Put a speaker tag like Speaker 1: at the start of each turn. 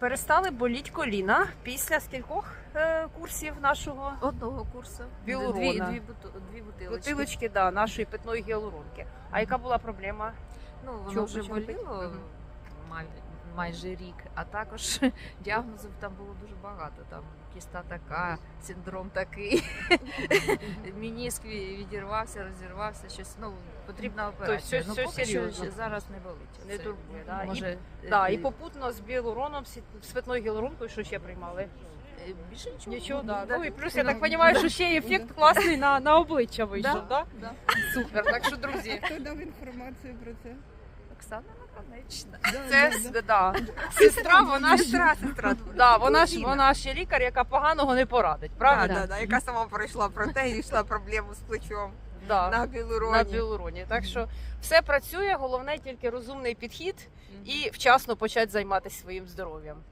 Speaker 1: перестали боліти коліна після скількох курсів нашого
Speaker 2: Одного курсу.
Speaker 1: Гіалурона.
Speaker 2: Дві бутилочки.
Speaker 1: бутилочки, да, нашої питної гіалуронки. А яка була проблема?
Speaker 2: Ну, воно
Speaker 1: Чого
Speaker 2: вже
Speaker 1: почали пити?
Speaker 2: боліло майже рік, а також діагнозів там було дуже багато. Там кіста така, синдром такий, мініск відірвався, розірвався, щось, ну, потрібна операція.
Speaker 1: щось
Speaker 2: Ну, поки що
Speaker 1: серйозно.
Speaker 2: зараз не болить.
Speaker 1: Не
Speaker 2: Це,
Speaker 1: турбує, да?
Speaker 2: Може,
Speaker 1: Да, і попутно з гіалуроном, з питною гіалуронкою, що ще приймали?
Speaker 2: більше нічого.
Speaker 1: Нічого, да.
Speaker 2: Да.
Speaker 1: Ну і плюс, я так розумію, що ще й ефект класний на обличчя вийшов,
Speaker 2: Да.
Speaker 1: да? Супер, так що, друзі,
Speaker 3: Хто дав інформацію про це?
Speaker 2: Оксана Наконечна.
Speaker 1: це, да, сестра, вона ж,
Speaker 4: Сестра.
Speaker 1: да, вона ще лікар, яка поганого не порадить, правильно?
Speaker 4: Да, яка сама пройшла про те і йшла проблему з плечом
Speaker 1: Да.
Speaker 4: на гіалуроні.
Speaker 1: На гіалуроні. Так що все працює, головне тільки розумний підхід і вчасно почати займатися своїм здоров'ям.